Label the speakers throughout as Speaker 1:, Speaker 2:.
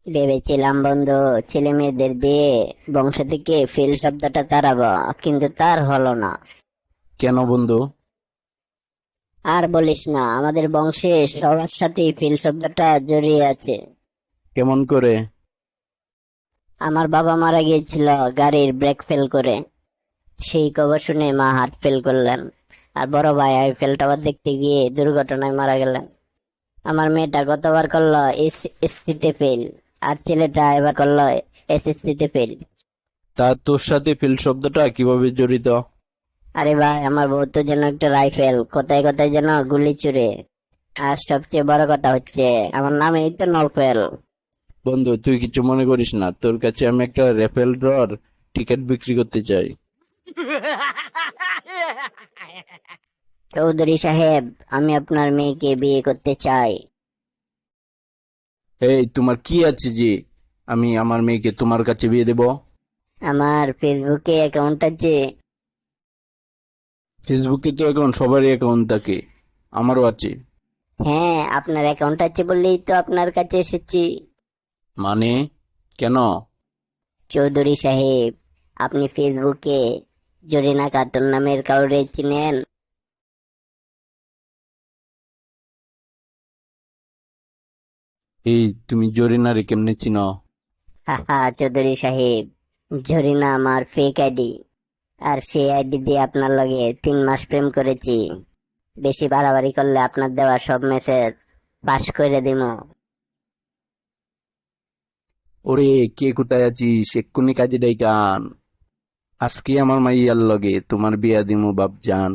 Speaker 1: ভেবেছিলাম বন্ধু, ছেলে মেয়েদের দিয়ে বংশ থেকে ফেল শব্দটা তাড়াবো, কিন্তু তার হলো না।
Speaker 2: কেন বন্ধু?
Speaker 1: আর বলিস না, আমাদের বংশে সবার সাথেই ফেল শব্দটা জড়িয়ে আছে।
Speaker 2: কেমন করে?
Speaker 1: আমার বাবা মারা গিয়েছিল গাড়ির ব্রেক ফেল করে। সেই খবর শুনে মা হার্ট ফেল করলেন। আর বড় ভাই আইফেল টাওয়ার দেখতে গিয়ে দুর্ঘটনায় মারা গেলেন। আমার মেয়েটা গতবার করলো এসএসসি তে ফেল, আর ছেলেটা এবার করলো এসএসসি তে ফেল।
Speaker 2: তা তোর সাথে ফিল শব্দটা কিভাবে জড়িত?
Speaker 1: আরে ভাই, আমার বউ তো যেন একটা রাইফেল, কোথায় কোথায় যেন গুলি ছুড়ে। আর সবচেয়ে বড় কথা হচ্ছে, আমার নামেই তো নরফেল।
Speaker 2: বন্ধু, তুই কিছু মনে করিস না, তোর কাছে আমি একটা রেফেল ড্রর টিকিট বিক্রি করতে চাই।
Speaker 1: চৌধুরী সাহেব, আমি আপনার মেয়েকে বিয়ে করতে চাই।
Speaker 2: এই, তোমার কি আছে যে আমি আমার মেয়েকে তোমার কাছে বিয়ে দেব?
Speaker 1: আমার ফেসবুকে অ্যাকাউন্ট আছে।
Speaker 2: ফেসবুকে তো এখন সবারই অ্যাকাউন্ট থাকে, আমারও আছে।
Speaker 1: হ্যাঁ, আপনার অ্যাকাউন্ট আছে বললেই তো আপনার কাছে এসেছি।
Speaker 2: মানে, কেন?
Speaker 1: চৌধুরী সাহেব, আপনি ফেসবুকে জরিনা খাতুন নামের কাউরে চিনেন?
Speaker 2: এই, তুমি জরিনারে কেমনে চিনো?
Speaker 1: হাহা চৌধুরী সাহেব, জরিনা আমার ফেক আইডি। আর সেই আইডি দিয়ে আপনার লগে 3 মাস প্রেম করেছি। বেশি বাড়াবাড়ি করলে আপনার দেওয়া সব মেসেজ পাস করে দিমু।
Speaker 2: ওরে, কে কোথায় আছিস? এক্ষুনি কাজে ডাইকান। আজকে আমার মাইয়ার লগে তোমার বিয়া দিমু বাপজান।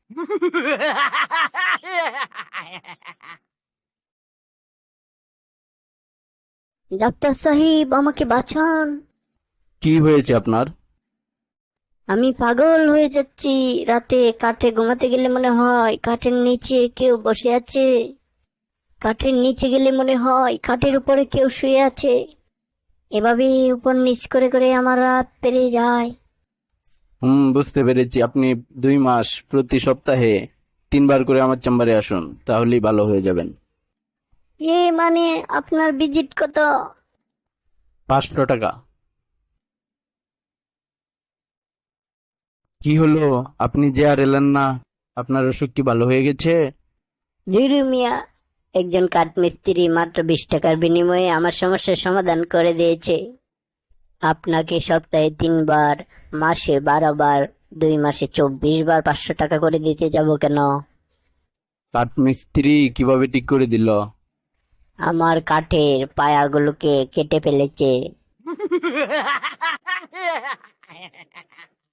Speaker 1: ডাক্তার সাহেব, আমাকে বাঁচান।
Speaker 2: কি হয়েছে আপনার?
Speaker 1: আমি পাগল হয়ে যাচ্ছি। রাতে কাঠে ঘুমাতে গেলে মনে হয় কাঠের নিচে কেউ বসে আছে। কাঠের নিচে গেলে মনে হয় খাটের উপরে কেউ শুয়ে আছে। এভাবে উপর নিচ করে করে আমার রাত পেরিয়ে যায়।
Speaker 2: বুঝতে পেরেছি। আপনি 2 মাস প্রতি সপ্তাহে 3 বার করে আমার চেম্বারে আসুন, তাহলেই ভালো হয়ে যাবেন।
Speaker 1: মানে আপনার ভিজিট কত?
Speaker 2: 500 টাকা। কি হলো? আপনি যে আর এলেন না? আপনার অসুখ কি ভালো হয়ে গেছে?
Speaker 1: ধীরু মিয়া, একজন কাঠমিস্ত্রি মাত্র 20 টাকার বিনিময়ে আমার সমস্যার সমাধান করে দিয়েছে। আপনাকে সপ্তাহে 3 বার, মাসে 12 বার, 2 মাসে 24 বার 500 টাকা করে দিতে যাব কেন?
Speaker 2: কাঠমিস্ত্রি কিভাবে ঠিক করে দিল?
Speaker 1: আমার কাঠের পায়াগুলোকে কেটে ফেলেছে।